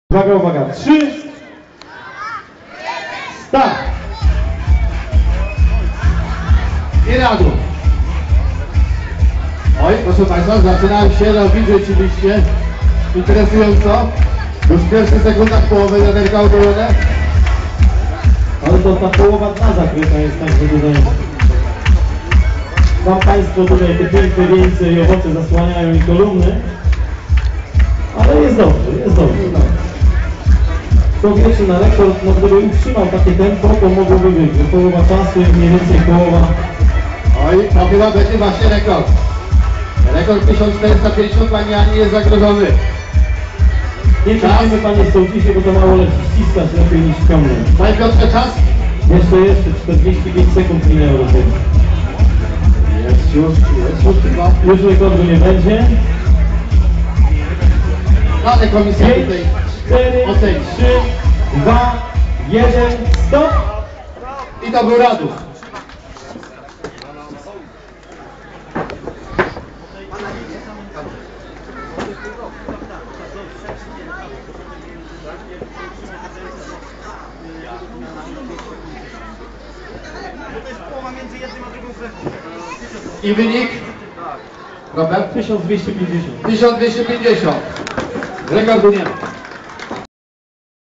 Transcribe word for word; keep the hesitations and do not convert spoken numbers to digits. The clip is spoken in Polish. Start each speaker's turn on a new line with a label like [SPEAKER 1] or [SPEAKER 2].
[SPEAKER 1] Uwaga, uwaga, trzy, start!
[SPEAKER 2] I na dół. Oj, proszę Państwa, zaczyna się robić rzeczywiście interesująco. Już w pierwszych sekundach połowy wiaderka ogolone.
[SPEAKER 1] Ale to ta połowa dna zakryta jest tak, że tutaj Wam Państwo tutaj te piękne wieńce i owoce zasłaniają i kolumny. Ale jest dobrze, jest dobrze. To wiecie, na rekord, no gdyby utrzymał takie tempo, to mogłoby być, że połowa czasu jest mniej więcej połowa.
[SPEAKER 2] Oj, to chyba będzie właśnie rekord. Rekord tysiąc czterysta pięćdziesiąt Pani Ani jest zagrożony.
[SPEAKER 1] Nie czekajmy Panie Sołcisie, bo to mało leci, ściskać lepiej niż ciągnąć.
[SPEAKER 2] Panie Piotrze, czas?
[SPEAKER 1] Jeszcze, jeszcze, czterdzieści pięć sekund minęło do tego.
[SPEAKER 2] Jest już, jest już chyba.
[SPEAKER 1] Już rekordu nie będzie.
[SPEAKER 2] Ale komisja
[SPEAKER 1] pięć,
[SPEAKER 2] tutaj
[SPEAKER 1] cztery,
[SPEAKER 2] oceni.
[SPEAKER 1] trzy, dwa, jeden, stop!
[SPEAKER 2] I to był Radów. I wynik? Robert?
[SPEAKER 1] tysiąc dwieście pięćdziesiąt.
[SPEAKER 2] tysiąc dwieście pięćdziesiąt. Rekordu nie ma.